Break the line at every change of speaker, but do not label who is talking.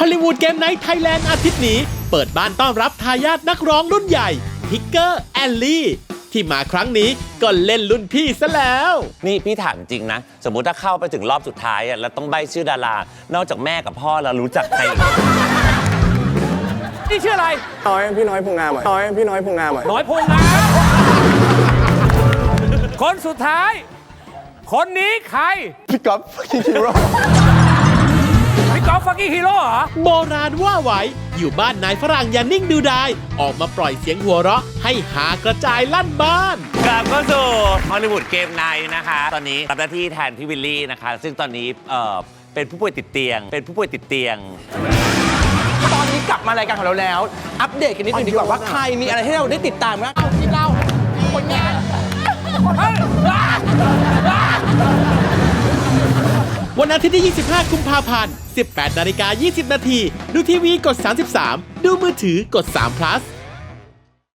ฮอลลีวูดเกมไนท์ไทยแลนด์อาทิตย์นี้เปิดบ้านต้อนรับทายาทนักร้องรุ่นใหญ่ทิกเกอร์แอลลี่ที่มาครั้งนี้ก็เล่นรุ่นพี่ซะแล้ว
นี่พี่ถามจริงนะสมมุติถ้าเข้าไปถึงรอบสุดท้ายแล้วต้องใบ้ชื่อดารานอกจากแม่กับพ่อแล้วรู้จักใคร
นี่ชื่ออะไร
พี่น้อยพงงามพี่น้อยพงงาม
น้อยพงงามคนสุดท้ายคนนี้ใคร
พี่ก๊อฟคิงฮีโร่
พี่กอล์ฟฟักกี้ฮีโร่เหรอ
โบราณว่าไว้อยู่บ้านนายฝรั่งอย่านิ่งดูดายออกมาปล่อยเสียงหัวเราะให้หากระจายลั่นบ้าน
กลับเข้าสู่ฮอลลีวูดเกมไนท์นะคะตอนนี้รับหน้าที่แทนพี่วิลลี่นะคะซึ่งตอนนี้เป็นผู้ป่วยติดเตียง
ตอนนี้กลับมารายการของเราแล้วอัปเดตกันนิดนึงดีกว่าว่าใครมีอะไรให้เราได้ติดตามบ้างที่เราคนงาน
วันอาทิตย์ที่ 25 กุมภาพันธ์ 18:20 น.ดูทีวีกด 33 ดูมือถือกด3 plus